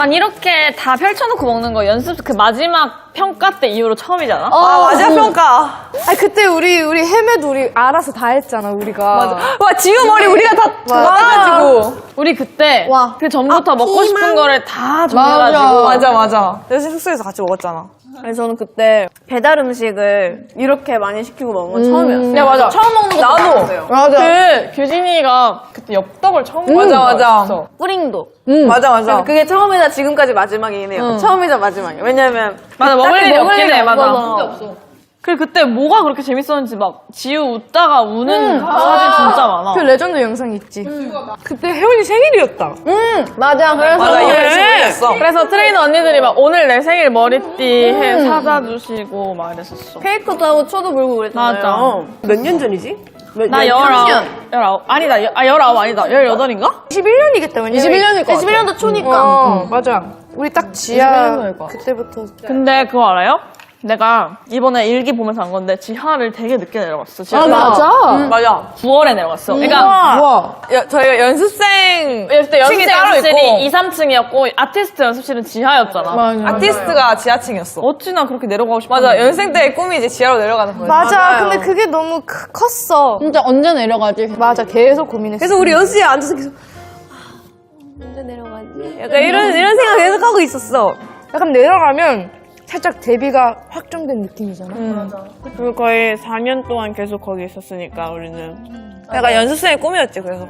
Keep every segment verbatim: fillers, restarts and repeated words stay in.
난 이렇게 다 펼쳐놓고 먹는 거 연습 그 마지막 평가 때 이후로 처음이잖아. 어, 아, 마지막 평가. 아 그때 우리 우리 헤매도 우리 알아서 다 했잖아 우리가. 맞아. 와, 지우 머리 우리가 다 도와가지고. 우리 그때 와. 그 전부터 아, 먹고 싶은 피망? 거를 다 정해가지고. 맞아, 맞아. 여신 숙소에서 같이 먹었잖아. 그래서 저는 그때 배달 음식을 이렇게 많이 시키고 먹은 건 처음이었어요. 야, 맞아. 처음 먹는 것도 나도. 많았어요. 맞아. 그 규진이가 그때 엽떡을 처음 먹은 맞아, 거였어. 맞아. 뿌링도. 맞아, 맞아. 그래서 그게 처음이자 지금까지 마지막이네요. 처음이자 마지막이에요. 왜냐면 맞아, 먹을 딱히 일이 먹을 없긴 일이 해, 맞아. 없어서. 그리고 그때 뭐가 그렇게 재밌었는지 막 지우 웃다가 우는 사진 진짜 많아. 그 레전드 영상 있지. 그때 혜원이 생일이었다. 응, 맞아. 그래서 맞아, 이거 열심히 올렸어. 그래서 트레이너 언니들이 막 오늘 내 생일 머리띠 해 사다 주시고 막 이랬었어. 케이크도 하고 초도 불고 그랬잖아요. 맞아. 몇 년 전이지? 나 열아홉. 열아홉. 아니다. 여- 아, 열아홉 아니다. 열여덟인가? 이십일 년이겠다. 왜냐면 이십일 년일 거 이십일 년도 초니까. 어, 맞아. 우리 딱 지하 그때부터. 근데 그거 알아요? 내가 이번에 일기 보면서 안 건데 지하를 되게 늦게 내려갔어. 지하 맞아. 맞아. 구월에 내려갔어. 그러니까 우와. 여, 저희가 연습생 그때 층이 연습생 따로 연습실이 있고 이, 삼 층이었고 아티스트 연습실은 지하였잖아. 아티스트가 지하층이었어. 어찌나 그렇게 내려가고 싶어. 맞아, 연습생 때의 꿈이 이제 지하로 내려가는 거예요. 맞아. 맞아요. 근데 그게 너무 크- 컸어. 진짜 언제 내려가지? 맞아. 계속 고민했어. 그래서 우리 연습실에 앉아서 계속 아, 언제 내려가지? 약간 이런 이런 생각 계속 하고 있었어. 약간 내려가면 살짝 데뷔가 확정된 느낌이잖아. 그리고 거의 사 년 동안 계속 거기 있었으니까 우리는. 약간 연습생의 꿈이었지. 그래서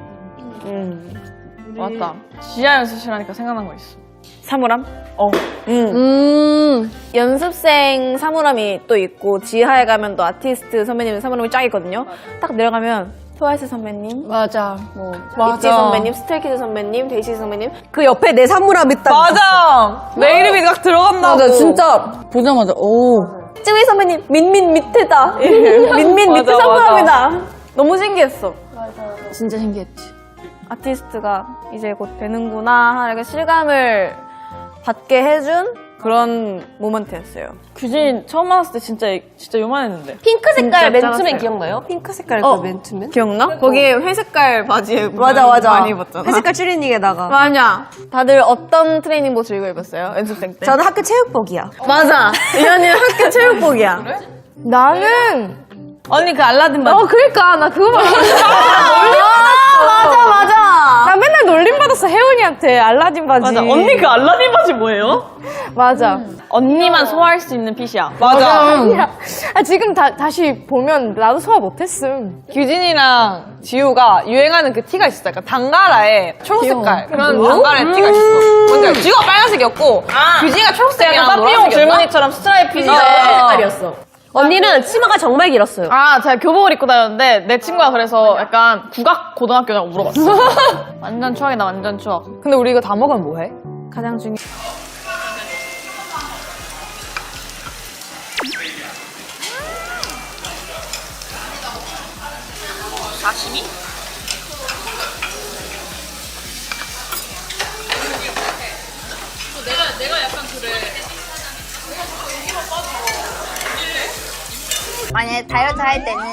맞다. 지하 연습실 하니까 생각난 거 있어. 사물함? 음, 연습생 사물함이 또 있고 지하에 가면 또 아티스트 선배님 사물함이 쫙 있거든요. 딱 내려가면 트와이스 선배님, 맞아. 뭐 맞아. 있지 선배님, 스트레이키즈 선배님, 데이시 선배님. 그 옆에 내 사물함 있다. 맞아. 내 이름이 딱 들어간다고. 맞아, 진짜 보자마자 오. 쯔위 선배님, 민민 밑에다. 민민 밑에 맞아, 사물함이다. 너무 신기했어. 진짜 신기했지. 아티스트가 이제 곧 되는구나 하는 실감을 받게 해준 그런 모먼트였어요. 규진 처음 만났을 때 진짜 진짜 요만했는데. 핑크 색깔 맨투맨 기억나요? 핑크 색깔 어. 그 맨투맨? 기억나? 거기에 회색깔 바지에 맞아, 맞아. 많이 입었잖아. 회색깔 추리닝에다가. 맞아. 다들 어떤 트레이닝복 즐겨 입었어요? 연습생 때? 저는 학교 체육복이야. 맞아. 이현이는 학교 체육복이야. 나는 언니 그 알라딘 바지. 어 그러니까 나 그거 막 아, 맞아, 맞아. 나 맨날 놀림 받았어 혜원이한테 알라딘 바지. 맞아. 언니 그 알라딘 바지 뭐예요? 맞아. 언니만 소화할 수 있는 핏이야. 맞아. 야, 아, 지금 다, 다시 보면 나도 소화 못했음. 규진이랑 지우가 유행하는 그 티가 있었어. 약간 단가라에 초록색깔. 그런 단가라의 티가 있었어. 뭔지 알지? 지우가 빨간색이었고, 규진이가 초록색이랑 약간 빠삐용 노란색이었나? 줄무늬처럼 스트라이프 어, 어, 색깔이었어. 언니는 치마가 정말 길었어요. 아, 제가 교복을 입고 다녔는데 내 친구가 그래서 약간 국악 고등학교냐고 물어봤어. 완전 추억이다, 완전 추억. 근데 우리 이거 다 먹으면 뭐해? 가장 중요. 만약에 다이어트 할 때는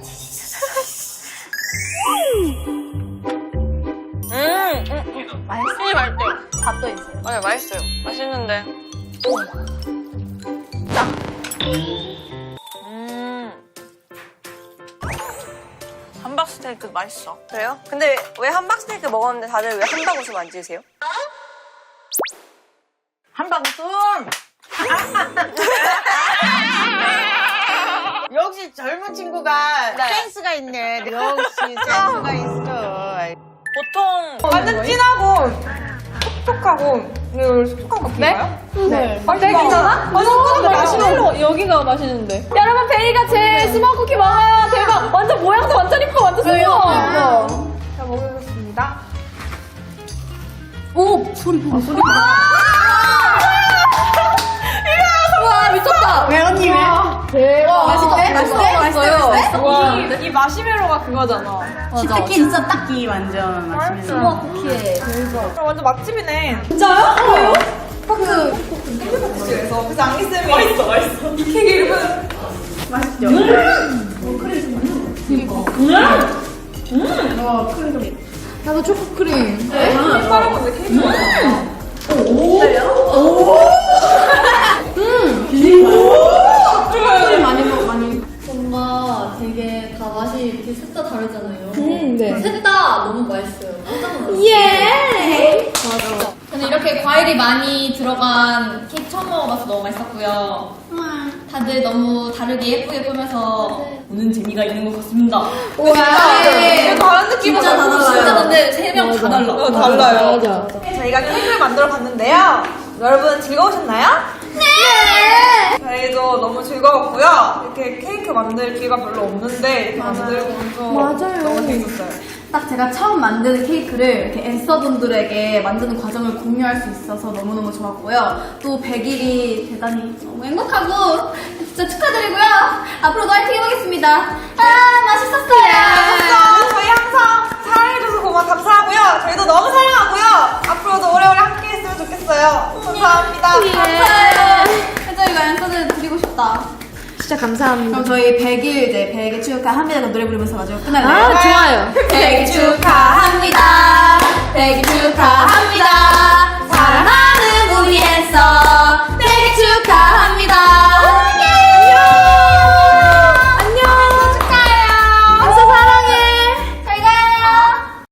음, 음, 음. 맛있어요. 맛있대요. 밥도 있어요. 맞아요, 맛있어요. 맛있는데. 음. 함박 스테이크 맛있어. 그래요? 근데 왜 함박 스테이크 먹었는데 다들 왜 함박 웃음 안 지으세요? 함박 웃음! 역시 젊은 친구가 센스가 있네. 역시 센스가 있어. 보통 완전 진하고 촉촉하고 이거 촉촉한 거 피나요? 네. 아, 되게 괜찮아? 아니, 그거 마시멜로. 여기가 맛있는데. 여러분 베리가 제 스모크 쿠키 먹어요. 대박. 완전 모양도 완전 이뻐. 완전 스모어. 자, 먹어보겠습니다. 와 미쳤다. 왜 언니 왜? 대박. 맛있대? 맛있대? 맛있어요. 와, 이 마시멜로가 그거잖아. 딱히 있어 딱히 완전 맛있는. 완전 맛집이네. 나도 초코크림. 뭔가 되게 다 맛이 이렇게 셋 다 다르잖아요. 음, 네. 셋 다 너무 맛있어요. 깜짝 놀랐어요. 예! 맞아. 저는 이렇게 과일이 많이 들어간 케이크 처음 먹어봐서 너무 맛있었고요. 다들 너무 다르게 예쁘게 꾸며서 보는 재미가 있는 것 같습니다. 와, 다른 느낌은 진짜 다 달라요. 진짜 근데 세 명 다 달라. 어, 달라요. 저희가 케이크를 만들어 봤는데요. 여러분 즐거우셨나요? 네! 저희도 너무 즐거웠고요. 이렇게 케이크 만들 기회가 별로 없는데 이렇게 만들고 나서 너무 재밌었어요. 딱 제가 처음 만드는 케이크를 이렇게 앤서분들에게 만드는 과정을 공유할 수 있어서 너무너무 좋았고요. 또 백 일이 대단히 너무 행복하고 진짜 축하드리고요. 앞으로도 화이팅 해보겠습니다. 아, 맛있었어요. 그래서 저희 항상 사랑해줘서 고마 감사하고요. 저희도 너무 사랑하고요. 앞으로도 오래오래 함께 했으면 좋겠어요. 감사합니다. 감사해요. 저희가 앤서는 드리고 싶다. 진짜 감사합니다. 그럼 저희 백 일 이제 백 일 축하합니다 노래 부르면서 가지고 끝날래요? 아, 좋아요. 백 일 축하합니다. 백 일 축하합니다.